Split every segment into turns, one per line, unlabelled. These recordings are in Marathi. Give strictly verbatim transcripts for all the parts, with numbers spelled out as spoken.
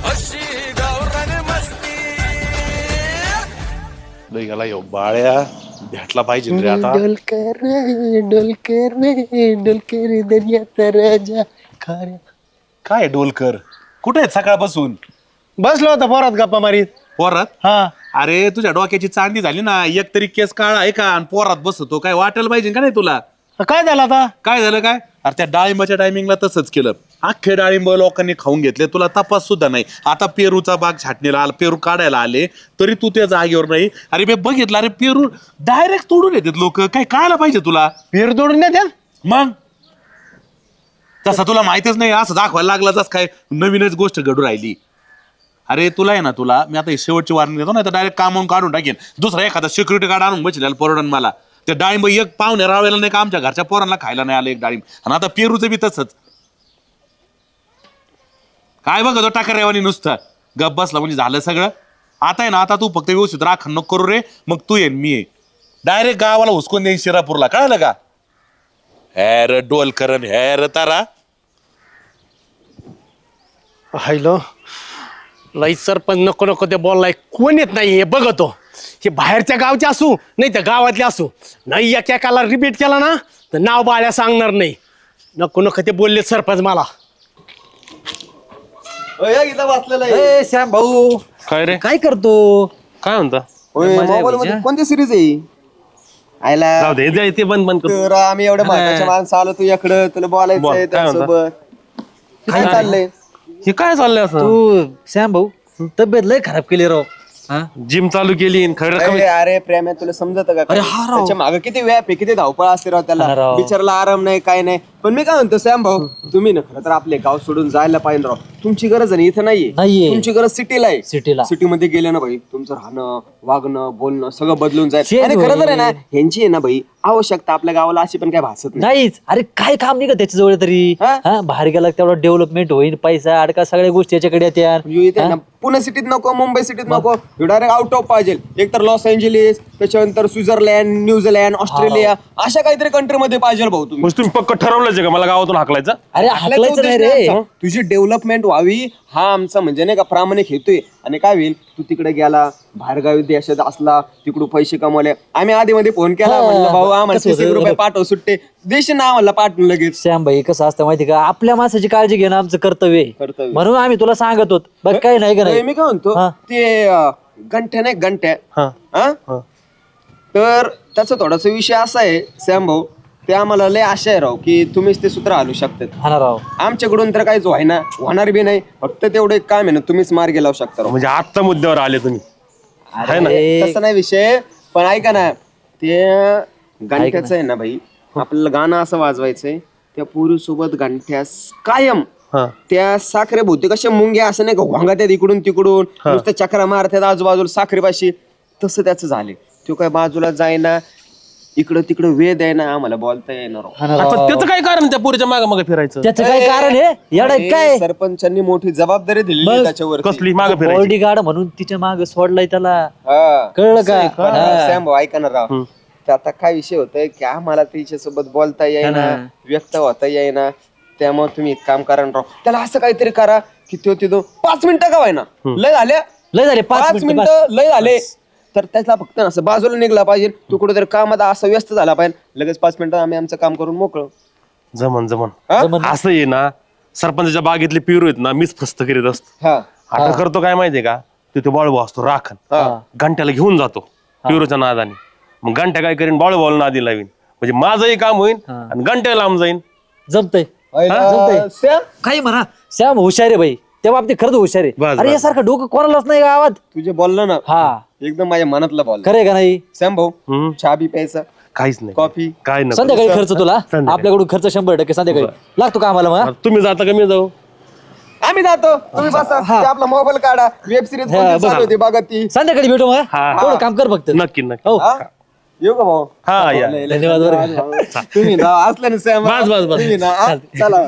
अशी गावरान मस्ती
लय गेला यो बाळ्या भेटला पाहिजे रे आता.
डोलकर डोलकर डोलकर दर्याचा राजा खाऱ्या.
काय डोलकर कुठे आहेत सकाळपासून?
बसलो होता पोरात गप्पा मारीत.
पोरात?
हा
अरे तुझ्या डोक्याची चांदी झाली ना, एक तरी केस काळा आहे का आणि पोरात बसतो, काय वाटायला पाहिजे का नाही तुला?
काय झालं आता?
काय झालं काय? अरे त्या डाळिंबाच्या टायमिंगला तसंच केलं, अख्खे डाळिंब लोकांनी खाऊन घेतले, तुला तपास सुद्धा नाही. आता पेरूचा बाग छाटणीला आला, पेरू काढायला आले तरी तू त्या जागेवर नाही. अरे मी बघितलं, अरे पेरू डायरेक्ट तोडून येतात लोक, काय कळायला पाहिजे तुला?
पेर तोडून द्या.
मग तसं तुला माहितीच नाही, असं दाखवायला लागलाच काय नवीनच गोष्ट घडू राहिली. अरे तुला आहे ना, तुला मी आता शेवटची वॉर्निंग देतो ना, तर डायरेक्ट कामावून काढून टाकेन. दुसरा एखादा सिक्युरिटी गार्ड आणून बसलेला परवडन मला. ते डाळिंब एक पाहुणे राहायला नाही का, आमच्या घरच्या पोरांना खायला नाही आलं एक डाळिंब. आणि आता पेरूचं बी तसंच. काय बघ तो टाका रेवानी नुसतं गप बसला म्हणजे झालं सगळं. आता आहे ना, आता तू फक्त व्यवस्थित राखण नको करू रे, मग तू ये मी ये डायरेक्ट गावाला हुसकून देईन शिरापूरला, कळलं का? हॅर डोलकरण हॅर तारा.
हायलो लई सरपंच नको नको ते बोललाय, कोण येत नाही हे बघतो. हे बाहेरच्या गावचे असू नाही तर गावातले असू, नाही एक एकाला रिपीट केला ना तर नाव बाळ्या सांगणार नाही. नको नको ते बोलले सरपंच मला.
ए श्याम भाऊ,
काय रे?
काय करतो?
काय म्हणता?
मोबाईल मध्ये कोणती सिरीज आहे? आयला
जाऊ दे, दे, ते बंद बंद कर.
तर आम्ही एवढ्या महत्वाच्या माणसं आलो तुझ्याकडं, तुला बोलायचं
बोल,
आहे
काय म्हणता?
त्यासोबत. काय चाललंय?
हे काय चाललंय असं?
तू श्याम भाऊ तब्येत लय खराब केली राव. हा?
जिम चालू केली खरं
अरे अरे प्रेम आहे, तुला समजत का? अरे हा राव. त्याच्या मागे किती व्याप आहे, किती धावपळ असते राव
हा
त्याला.
राव.
बिचाराला आराम नाही, काय नाही. पण मी काय म्हणतो श्याम भाऊ, तुम्ही ना खरं तर आपले गाव सोडून जायला पाहिजे राव. तुमची गरज आहे ना इथं नाहीये.
नाहीये.
तुमची गरज सिटीला आहे.
सिटीला.
सिटीमध्ये गेले ना भाई, तुमचं राहणं वागणं बोलणं सगळं बदलून जाईल.
शेत
आणि खरं तर आहे ना,
होईल.
ह्यांची आहे ना भाई आवश्यकता आपल्या गावाला अशी पण काय भासत नाही.
नाहीच. अरे काय काम नाही का त्याच्याजवळ तरी?
हा?
हा बाहेर गेला तेवढा डेव्हलपमेंट होईल, पैसा अडका सगळ्या गोष्टी याच्याकडे येत्या.
म्हणजे इथे आहे ना, पुणे सिटीत नको, मुंबई सिटीत नको, डायरेक्ट आउट ऑफ पाहिजे. एक तर लॉस एंजेलिस, त्याच्यानंतर स्वित्झर्लंड, न्यूझीलंड, ऑस्ट्रेलिया, अशा काहीतरी कंट्री मध्ये पाहिजे भाऊ तुम्ही.
तुम्ही पक्क ठरवलंच का मला गावातून हाकलायचं?
अरे
आपल्याचा
हाकलायचं नाही
उद्देश
रे.
नाही आमचा. तुझी डेव्हलपमेंट व्हावी हा आमचा म्हणजे नाही का प्रामाणिक हेतू आहे. आणि काय होईल, तू तिकडे गेला बाहेरगावी देशात असला, तिकडून पैसे कमवले, आम्ही आधी मध्ये फोन केला,
हा,
म्हणलं भाऊ आम्हाला
कसं
तीस
होतं?
रुपये पाठव सुट्टे, देशील ना आम्हाला पाठवून लगेच.
श्याम भाई कसं असतं माहिती का, आपल्या माणसाची काळजी घेणं आमचं कर्तव्य आहे.
कर्तव्य.
म्हणून आम्ही तुला सांगत होत बघ, काही नाही का
अरे,
नाही.
मी काय म्हणतो
हा.
ते अं, गंठ्या नाही गंठ्या
हा.
हा? तर त्याचा थोडासा विषय असा आहे श्याम भाऊ, ते आम्हाला लय आशा आहे राव की तुम्हीच ते सूत्र हलू शकतात.
हा ना राव.
आमच्याकडून तर काहीच व्हायना, होणार बी नाही. फक्त तेवढं एक काम आहे ना, तुम्हीच मार्गी लावू शकता राव.
म्हणजे आत्ता मुद्द्यावर आले तुम्ही.
अरे,
तसं नाही विषय, पण ऐका ना, ते गंठ्याचं आहे ना भाई, आपल्याला गाणं असं वाजवायचंय, त्या पोरी सोबत गंठ्यास कायम
हा.
त्या साखरे भोवती कशा मुंग्या असं नाही का वांगात्यात इकडून तिकडून नुसतं चक्रा मारतात आजूबाजूला साखरेपाशी, तसं त्याचं झाले. तो काय बाजूला जायना, इकडं तिकडं वेद आहे ना, आम्हाला बोलता येणार राव.
हा ना
आता
राव.
त्याचं काय कारण त्या पोरीच्या मागे मागे फिरायचं?
त्याचं काय कारण आहे येडा
अरे,
काय?
सरपंचांनी मोठी जबाबदारी दिली
मग
त्याच्यावर.
कसली मागे फिरायची?
बॉडी गार्ड म्हणून तिच्या मागे सोडलाय त्याला, कळलं का? हा.
सॅम भाऊ ऐका ना राव, तर आता काय विषय होतोय की आम्हाला तिच्यासोबत बोलता येईना, व्यक्त होता येईना. त्यामुळे तुम्ही एक काम करा ना राव, त्याला असं काहीतरी करा की तो तिथं पाच मिनिटं का व्हायना, लय झाले
लय झाले पाच
पाच
मिनिटं बस.
मिनिटं लय झाले, तर त्याला फक्त असं बाजूला निघला पाहिजे. तू कुठेतरी कामात असं व्यस्त झाला पाहिजे, लगेच पाच मिनिटं आम्ही आमचं काम करून मोकळं.
जमन जमन.
हा?
जमन.
असं आहे ना, सरपंचाच्या बागेतले पिरू आहेत ना, मीच फस्त करीत असतो.
हा
आता करतो काय माहितीये का, तिथे बाळूभाऊ असतो राखण,
हा.
घंट्याला घेऊन जातो पिरूच्या नादाने. मग घंट्या काय करीन, बाळूभाऊ नादी लावीन, म्हणजे माझंही काम होईल आणि घंट्या लांब जाईन.
जमतंय.
अं, सॅम,
काही म्हणा, श्याम हुशार आहे भाई, त्या बाबतीत खरंच हुशार आहे.
बस,
अरे
बस.
यासारखं डोकं कोणालाच नाही गावात.
तुझे बोललं ना
हा
एकदम माझ्या मनातलं बोल.
खरंय का नाही?
सॅम भाऊ,
हम्म.
चहा बी प्यायचा,
काहीच नाही,
कॉफी.
काय नाही.
संध्याकाळी खर्च तुला
संध्याकाळी.
आपल्याकडून खर्च शंभर टक्के संध्याकाळी लागतो का आम्हाला? मग
तुम्ही जाता का मी जाऊ?
आम्ही जातो, तुम्ही बसा. ते आपला मोबाईल काढा, वेब सिरीज
हा,
चालू
बघा.
होती बघा ती.
संध्याकाळी भेटू मग.
हा.
एवढं काम कर फक्त.
नक्की नक्की.
हो
हा? येऊ का भाऊ?
हा या.
लय- लय
धन्यवाद बरं का.
धन्यवाद. तुम्ही ना असलं ना सॅम,
बस, बस, बस.
तुम्ही ना, हा? चला.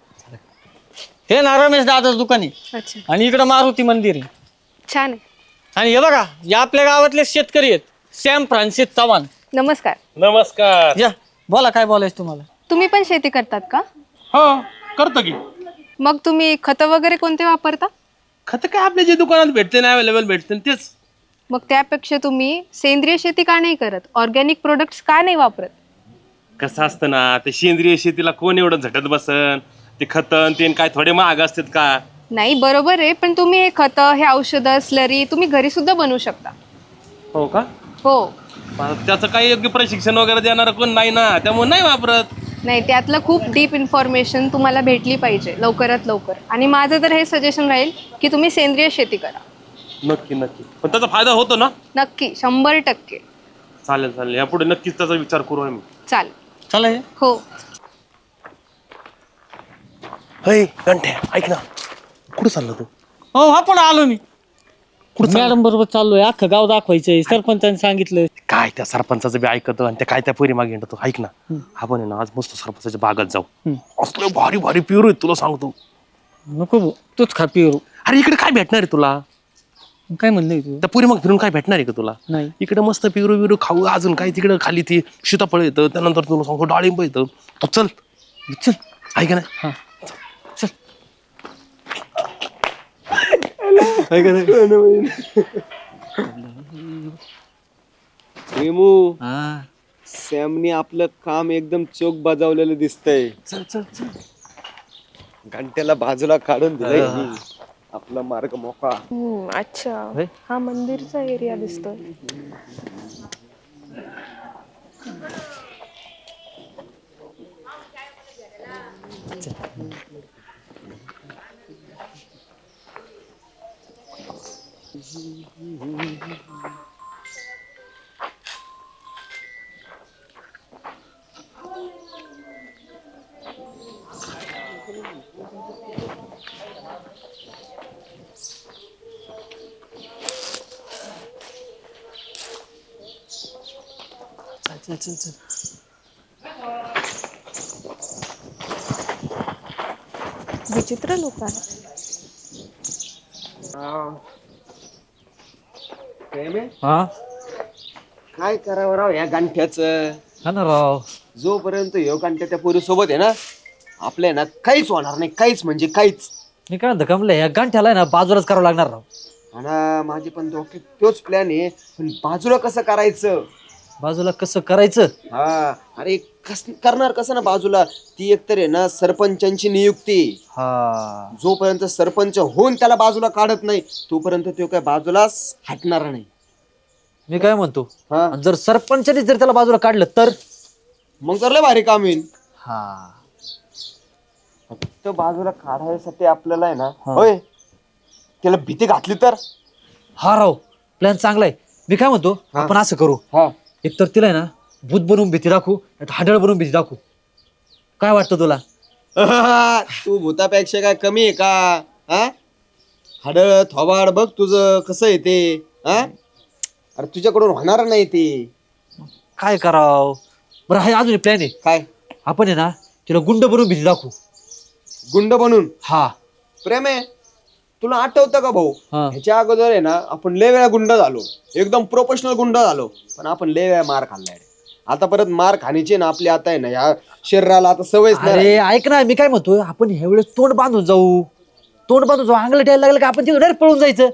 हे ना रमेश दादाचं दुकान आहे
अच्छा,
आणि इकडं मारुती मंदिर आहे.
छान आहे.
आणि हे बघा, या आपल्या गावातले शेतकरी आहेत, सॅम फ्रान्सिस चव्हाण.
नमस्कार.
नमस्कार.
या बोला, काय बोलायचं तुम्हाला?
तुम्ही पण शेती करतात का?
हो करतो की.
मग तुम्ही खतं वगैरे कोणते वापरता? खत काय आपल्या जे दुकानात भेटते ना अवेलेबल भेटते तेच.
मग त्यापेक्षा तुम्ही सेंद्रिय शेती का नाही करत, ऑर्गॅनिक प्रोडक्ट्स का नाही वापरत?
कसं असतं ना ते सेंद्रिय शेतीला कोण एवढं झटत बसन, ते खतन ते काय थोडे महाग असतात का?
नाही बरोबर आहे, पण तुम्ही हे खतं, हे औषधं, स्लरी तुम्ही घरी सुद्धा बनवू शकता.
हो का?
हो.
पण त्याचं काही योग्य प्रशिक्षण वगैरे देणार कोण नाही ना, त्यामुळे नाही वापरत.
नाही, त्यातलं खूप डीप इन्फॉर्मेशन तुम्हाला भेटली पाहिजे लवकरात लवकर. आणि माझं तर हे सजेशन राहील की तुम्ही सेंद्रिय शेती करा.
नक्की नक्की, पण त्याचा फायदा होतो ना?
नक्की, शंभर टक्के.
चालेल चालेल, यापुढे नक्कीच त्याचा विचार करू आम्ही.
चालेल.
चालेल.
हो.
हय गंठ्या, ऐक ना, कुठं चालला तू?
हो हा पण आलो मी. मॅडम बरोबर चाललोय, अख्खं गाव दाखवायचंय, सरपंचाने सांगितलं.
काय त्या सरपंचाचं बी ऐकतो आणि त्या काय त्या पोरी मागे येतो. ऐक ना, आपण आहे ना आज मस्त सरपंचाच्या बागात जाऊ. असलं भारी भारी पिरू आहेत तुला सांगतो.
नको भाऊ, तूच खा पिरू.
अरे इकडे काय भेटणार आहे तुला?
काय म्हणलंय तू?
त्या पुरी मग फिरून काय भेटणार आहे का तुला?
नाही.
इकडे मस्त पिरू बिरू खाऊ, अजून काय तिकडे खाली ती सीताफळ येतं, त्यानंतर तुला सांगतो डाळिंब येतं. तू चल चल, ऐक ना.
हा
चल.
हेमू,
हा
सॅमनी आपलं काम एकदम चोख बजावलेलं दिसतंय.
चल चल चल.
घंट्याला बाजूला काढून दिलंय मी. आपला मार्ग मोकळा.
अच्छा, हा मंदिरचा एरिया दिसतोय.
चल चल चल.
विचित्र लोक आहेत.
हा
काय करावं राव या गांठ्याचं?
हा ना राव.
जोपर्यंत ह्यो गांठ्या त्या पोरी सोबत आहे ना, आपल्या ना काहीच होणार नाही, काहीच म्हणजे काहीच.
मी काय म्हणतो कमले, या गांठ्याला ना बाजूलाच करावं लागणार राव.
आणि माझी पण डोक्यात तोच प्लॅन आहे, पण बाजूला कसं करायचं?
बाजूला कसं करायचं?
हा, अरे कस करणार कसं ना बाजूला? ती एकतर आहे ना सरपंचांची नियुक्ती.
हा
जोपर्यंत सरपंच होऊन त्याला बाजूला काढत नाही तोपर्यंत तो काय बाजूलाच हटणार नाही.
मी काय म्हणतो,
हा,
आणि जर सरपंचाने जर त्याला बाजूला काढलं तर?
मग तर लय भारी काम येईल.
हा
फक्त बाजूला काढायसाठी आपल्याला आहे ना, होय, त्याला भीती घातली तर?
हा राव, प्लॅन चांगला आहे. मी काय म्हणतो,
हा.
आपण असं करू,
हा,
एकतर तिला आहे ना भूत बनवून भीती दाखवू, नाहीतर हाडळ बनवून भीती दाखवू. काय वाटतं तुला?
तू भूतापेक्षा काय कमी आहे का? हा, हाडळ थोबाड बघ तुझं कसं आहे ते. हा, अरे तुझ्याकडून होणार नाही ते.
काय कराव बरं, हा अजून प्लॅन आहे.
काय?
आपण आहे ना तिला गुंड बनवून भीती दाखवू.
गुंड बनून?
हा
प्रेम आहे, तुला आठवतं का भाऊ,
हा.
ह्याच्या अगोदर आहे ना आपण लय वेळा गुंड झालो, एकदम प्रोफेशनल गुंड झालो, पण आपण लय वेळा मार खाल्लाय. आता परत मार खाण्याची ना आपली आता आहे ना ह्या शरीराला आता सवयच नाही.
अरे ऐक ना, मी काय म्हणतो, आपण ह्या वेळेस तोंड बांधून जाऊ. तोंड बांधून जाऊ, अंगलं यायला लागलं का आपण तिथून डायरेक्ट पळून जायचं.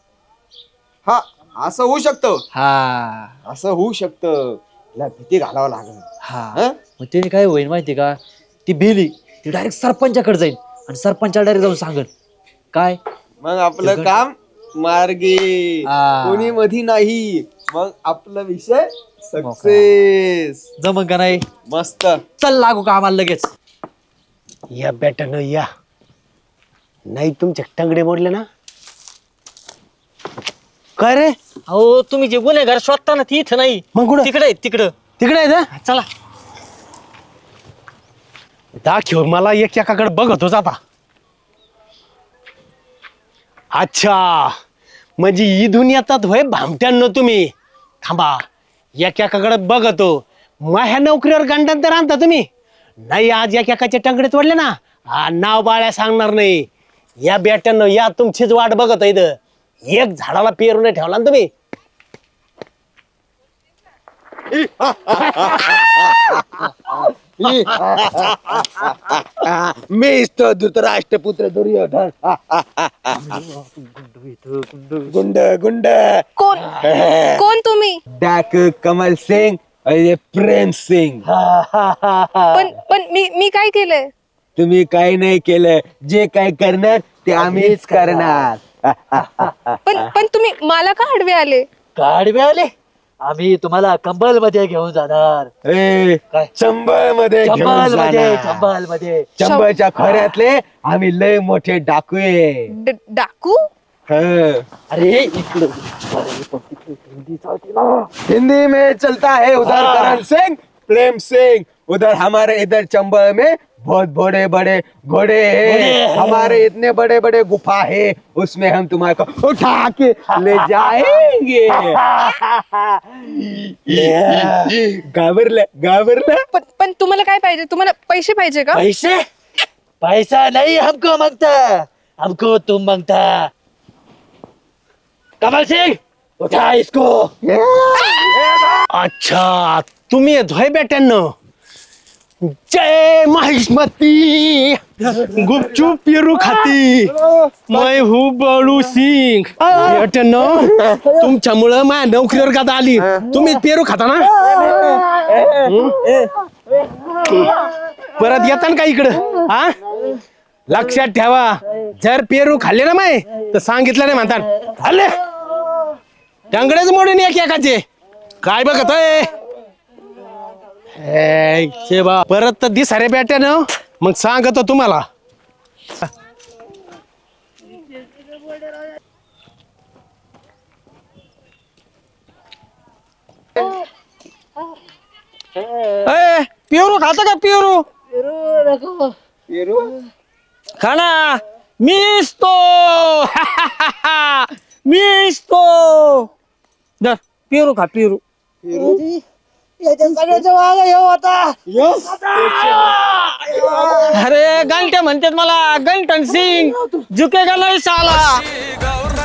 हा, असं होऊ शकतं.
हा
असं होऊ शकतं. तिला भीती घालावं लागेल.
हा
हं?
मग त्याने काय होईल माहिती का, ती भेली ती डायरेक्ट सरपंचाकडे जाईल आणि सरपंचाला डायरेक्ट जाऊन सांगेल. काय
मग आपलं काम मार्गी,
हा.
कोणी मधी नाही. मग आपला विषय सक्सेस.
जमन का नाही?
मस्त.
चल लागू का आम्हाला लगेच.
या बेटानं या, नाही तुमचे टंगडे मोडले ना. काय रे?
अहो तुम्ही जे गुन्हेगार शोधता ना ती इथं नाही,
मग कुठं?
तिकडे आहेत, तिकडं.
तिकडे आहे ना.
चला.
दाखव मला, एक एकाकडे बघतोच आता. अच्छा, म्हणजे ही दुनियात होय भामट्यांनो तुम्ही. थांबा, एक एकाकडे बघतो. मग ह्या नोकरीवर गंडांतर आणता तुम्ही. नाही आज एक एकाचे टंगडे तोडले ना, हा नाव बाळ्या सांगणार नाही. या बेट्यानं या तुमचीच वाट बघत इथं. एक झाडाला पेरू नाही ठेवला ना तुम्ही.
मीच तो धृतराष्ट्रपुत्र दुर्योधन. गुंड गुंड
कोण कोण तुम्ही?
डाक कमल सिंग आणि प्रेम सिंग.
पण पण मी मी काय केलंय?
तुम्ही काही नाही केलं, जे काय करणार ते आम्हीच करणार.
पण पण तुम्ही मला का आडवे आले?
गाडवे आले आम्ही तुम्हाला कंबल मध्ये घेऊन जाणार.
ए,
काय?
चंबळ मध्ये घेऊन
चंबल मध्ये
जाणार.
चंबल मध्ये
चंबळच्या खोऱ्यातले आम्ही लय मोठे डाकू आहे.
ड- डाकू?
हं.
अरे इकडं
हिंदी में चलता है उधर करण सिंह प्रेम सिंह, उधर हमारे इधर चंबल में बहुत बड़े बड़े घोड़े हैं, हमारे इतने बड़े बड़े गुफा है, उसमें हम तुम्हारे को उठा के ले जाएंगे. घाबरले घाबरले.
पण पण तुम्हाला काय पाहिजे? तुम्हाला पैसे पाहिजे का?
पैसे पैसा नहीं हमको मांगता, हमको तुम मांगता. कमल सिंह उठा इसको.
अच्छा तुम्ही येतोय बेट्यांनो. जय महिष्मती गुपचूप पेरू खाती मैं हूँ बळू सिंग. बेट्यांनो तुमच्यामुळं माझ्या नोकरीवर का आली. तुम्ही पेरू खाता ना. हं? परत येता का इकडं हा. लक्षात ठेवा, जर पेरू खाल्ले ना माय तर सांगितलं नाही म्हणतात खाल्ले टांगडेच मोडून एक एकाचे. काय बघत बा परत तर दिस अरे बेट्या ना. मग सांगतो तुम्हाला.
ए, पेरू खाता का पेरू? खाना मीच तो. मीच तो. धर पेरू खा पेरू. अरे गंटे म्हणतात मला गंटन सिंग झुकेगा नाही साला.
गौर